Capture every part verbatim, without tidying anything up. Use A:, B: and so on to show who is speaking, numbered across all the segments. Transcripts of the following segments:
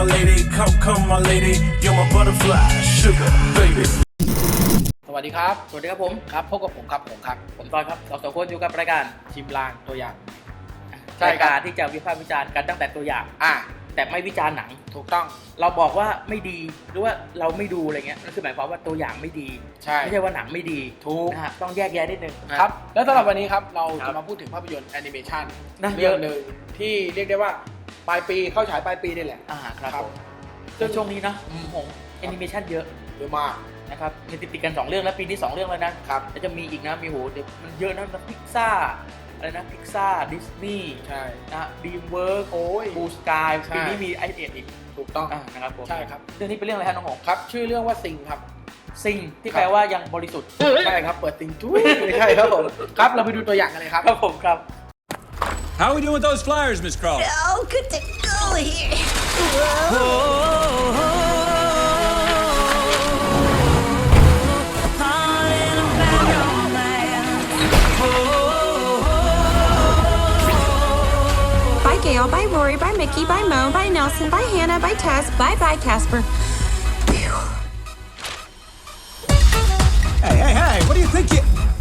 A: my lady, come, come, my lady, you're my butterfly, sugar, baby.
B: สวัสดีครับ
C: สวัสดีครับผม
B: ครับพบกับผมครับผมครับ
C: ผมตอนครับเราสองคนอยู่กับรายการ
B: ชิมลางตัวอย่าง
C: ใช่รายการที่จะวิพากษ์วิจารณ์กันตั้งแต่ตัวอย่าง
B: อ่ะ
C: แต่ไม่วิจารณ์หนัง
B: ถูกต้อง
C: เราบอกว่าไม่ดีหรือว่าเราไม่ดูอะไรเงี้ยนั่นคือหมายความว่าตัวอย่างไม่ดี
B: ใช่
C: ไม่ใช่ว่าหนังไม่ดี
B: ถูก
C: นะฮะต้องแยกแยะนิดนึงนะครับ
B: แล้วสำหรับวันนี้ครับเรา
C: ครั
B: จะ
C: บ
B: มาพูดถึงภาพยนตร์แอนิเมชัน
C: นะ
B: เรื่องหนึ่งที่เรียกได้ว่าปลายปีเข้าฉายปลายปีนี่แหละ
C: อ่าครับ
B: ครับ
C: ผมซึ่งช่วงนี้นะผมแอนิเมชันเยอะ
B: เยอะมาก
C: นะครับมีติดๆกันสองเรื่องแล้วปีนี้สองเรื่องแล้วนะครับ แล้วจะมีอีกนะมีโหเดี๋ยวมันเยอะนะพิกซ่าอะไรนะพิกซ่าดิสนีย์
B: ใช่
C: นะดีมเวิร์ก
B: โอ้ย
C: บูสกาย
B: ใช่
C: ปีนี้มีไอเอ็ดอีก
B: ถูกต้อง
C: อ่านะครับผม
B: ใช่ครับ
C: เรื่องนี้เป็นเรื่องอะไรฮะน้องหง
B: ครับชื่อเรื่องว่าซิงครับ
C: ซิงที่
B: ครับ
C: แปลว่ายังบริสุทธิ์
B: ใช่ครับเปิดซิงจุ้ยไม่ใช่ครับผมครับเราไปดูตัวอย่างกันเลยครับ
C: ครับผมครับ
A: How are we doing with those flyers, Miss Crawl?
D: Oh, good to go here.
E: Bye, Gail. Bye, Rory. Bye, Mickey. Bye, Mo. Bye, Nelson. Bye, Hannah. Bye, Tess. Bye, bye, Casper.
F: Hey, hey, hey, what do you think you...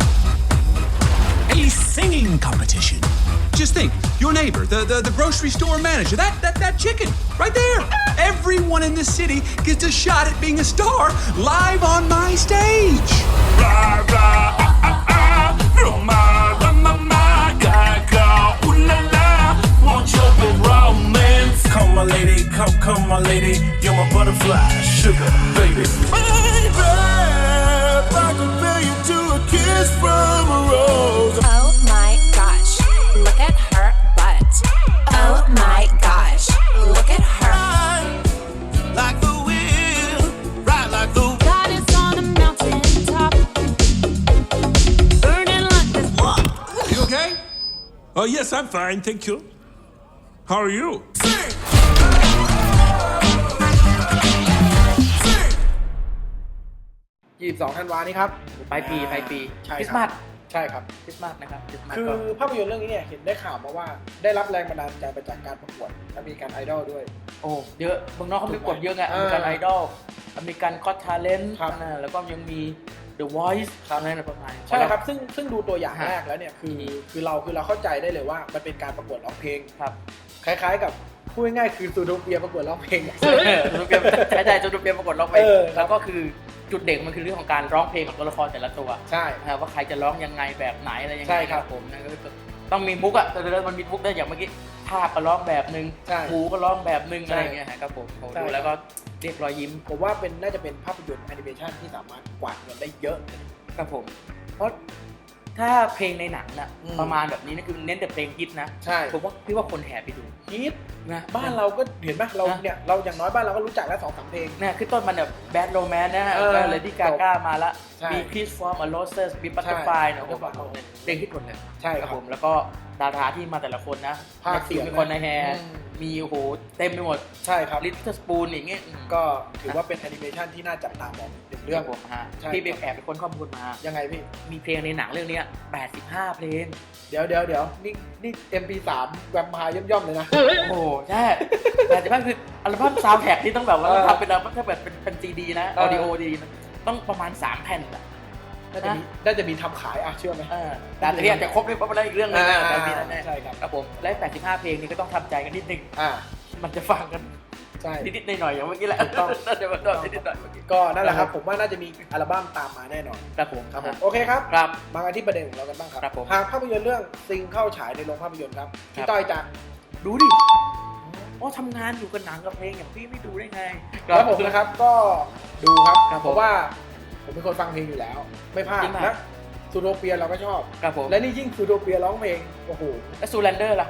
F: A singing competition. Just think, your neighbor, the, the, the grocery store manager, that, that, that chicken, right there. Everyone in the city gets a shot at being a star live on my stage.
A: Blah, blah, ah, ah, ah, Roma, Roma, ma, gaga, ooh la la, want your big romance. Come, my lady, come, come, my lady, you're my butterfly, sugar, baby. Baby, I can feel you to a kiss from a rose.
D: Oh my gosh, look at her butt. Oh my gosh, look at her.
A: Like the wind, right like the wind.
E: God is on a mountain top, burning like this.
A: You okay? Oh, yes, I'm fine, thank you. How are you?
B: ยี่สิบสองธันวานี้ครับ
C: ปลายปีปลายปี
B: ใช่
C: คริส
B: ค
C: ต์มา
B: รับ
C: ส
B: ใช่ครับ
C: คริสต์มาสนะครับคริสต์มาส
B: คือ
C: ก็
B: ภาพยนตร์เรื่องนี้เนี่ยเห็นได้ข่าวมาว่าได้รับแรงบันดาลใจมาจากการประกวดและมีการไอดอลด้วย
C: โอ้เยอะเมืองนอกเขาไม่กดเยอะไง
B: อ่า
C: อเมริกันไอดอลอเมริกันก็อตทาเลนต์
B: ครับ
C: แล้วก็ยังมี The Voice อะไรนะประมาณ
B: ใช่ครับซึ่งซึ่งดูตัวอย่าง
C: ฮะ
B: แรกแล้วเนี่ยคือคือเราคือเราเข้าใจได้เลยว่ามันเป็นการประกวดร้องเพลง
C: ครับ
B: คล้ายๆกับพูดง่ายๆคือซูโดเปียประกวดร้องเพลง
C: เออจูดเปียใช่ใช่จูดเปียประกวดร้องเพลง
B: เออครับ
C: แล้วก็คือจุดเด่นมันคือเรื่องของการร้องเพลงของตัวละครแต่ละตัว
B: ใช่
C: นะครับว่าใครจะร้องยังไงแบบไหนอะไรยังไง
B: ใช่ครับ
C: ผมนั่นก็คือต้องมีมุกอ่ะแต่เดี๋ยวมันมีมุกได้อย่างเมื่อกี้ภาพก็ร้องแบบนึง
B: ใช่
C: หูก็ร้องแบบนึง
B: ใช่
C: อะไรอย่างเงี้ยครับผมผม
B: ใช่
C: ดูแล้วก็เรียกรอยยิ้ม
B: ผมว่าเป็นน่าจะเป็นภาพยนตร์แอนิเมชันที่สามารถกวาดเงินได้เยอะ
C: ครับผม เพราะถ้าเพลงในหนังน่ะ
B: อืม
C: ประมาณแบบนี้นะคือเน้นแต่เพลงฮิตนะ
B: ใช่
C: ผมว่าพี่ว่าคนแห่ไปดู
B: ฮิต
C: นะ
B: บ้านเราก็เห็นไหมเรา
C: นะ
B: เนี่ยเราอย่างน้อยบ้านเราก็รู้จักแล้วสองสามเพลง
C: เนี่ยคือต้นมันแบบแบดโรแมนนะฮะ
B: เออ
C: ก็เลดี้กาก้ามาละ
B: ใช่
C: มีคริสฟอร์มอโรเซสมีบัตเตอร์ไฟเนาะ
B: ใช่
C: ผมบอกเลยเพลงฮิตหมดเลย
B: ใช่ครับ
C: ผมแล้วก็ดาราที่มาแต่ละคนนะ
B: ภาคเสียง
C: มีคนในแฮร์
B: อืม
C: มีโอ้โหเต็มไปหมด
B: ใช่ครับ
C: ลิตเติ้ลสปูนอย่างเงี้ยอืม
B: ก็ถือว่าเป็นแอนิเมชันที่น่าจับตามองหนึ่งเรื่อง
C: ผมฮะ
B: ใช่
C: พี่ไปแอบไปค้นข้อมูลมา
B: ยังไงพี่
C: มีเพลงในหนังเรื่องเนี้ยแปดสิบห้าเพลง
B: เดี๋ยวเดี๋ยวเดี๋ยวนี่นี่ เอ็ม พี สามแวมไพร์ย่อมๆเลยนะ
C: โอ้โหใช่แต่จะว่าคืออัลบั้มซาวด์แทร็กที่ต้องแบบว่า
B: เออ
C: ทำเป็นอัลบั้มถ้าแบบเป็นเป็นซีดีนะ
B: เอ
C: อ
B: อ
C: อดิโอดีนะต้องประมาณสามแผ่นอะ
B: น่าจะมีน่าจะมีทำขายอ่ะเชื่อไหม
C: เออแต่อันนี้อาจจะครบเลยเพราะมันได้อีกเรื่องนึงนะ
B: อ่า
C: แต่มีแน่ๆ
B: ใช่ครับ
C: ครับผมและแปดสิบห้าเพลงนี้ก็ต้องทำใจกันนิดนึง
B: อ่า
C: มันจะฟังกัน
B: ใช่
C: นิดๆหน่อยๆอย่างเมื่อกี้แหละ
B: ถูกต้อง
C: น่าจะมาตอนนิดๆหน่อยๆเมื่อกี้
B: ก็นั่นแหละครับ ผมว่าน่าจะมีอัลบั้มตามมาแน่นอน
C: ครับผม
B: ครับผมโอเคครับ
C: ครับ
B: มากันที่ประเด็นของเรากันบ้างครับ
C: ครับผม
B: หากภาพยนตร์เรื่องซิงเข้าฉายในโรงภาพยนตร์ครับ
C: ค
B: พี่
C: รับ
B: ต้อยจะ
C: ดูดิโอ้ทำงานอยู่กับหนังกับเพลงอย่างพี่ไม่ดูได้ไง
B: แล้วผมนะครับก็ดูครับ
C: ครับผม
B: เพราะว่าผมเป็นคนฟังเพลงอยู่แล้ว ไม่พลาด
C: จริงไหม
B: นะซูโดเปียเราก็ชอบ
C: ครับผม
B: และนี่ยิ่งซูโดเปียร้องเพลงโอ้โห
C: แล้วซูแลนเดอร์ล่ะ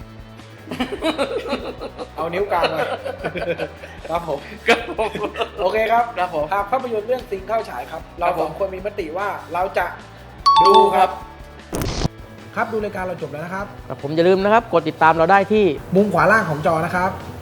B: เอานิ้วกลางมา ครับผม
C: ครับผม
B: โอเคครับ
C: ครับผม
B: หากภาพยนตร์เรื่องซิงเข้าฉายครับ เรา
C: ครับผม
B: สองคนมีมติว่าเราจะ
C: ดูครับ
B: ครับดูรายการเราจบแล้วนะครับ
C: ครับผมอย่าลืมนะครับกดติดตามเราได้ที่
B: มุมขวาล่างของจอนะครับ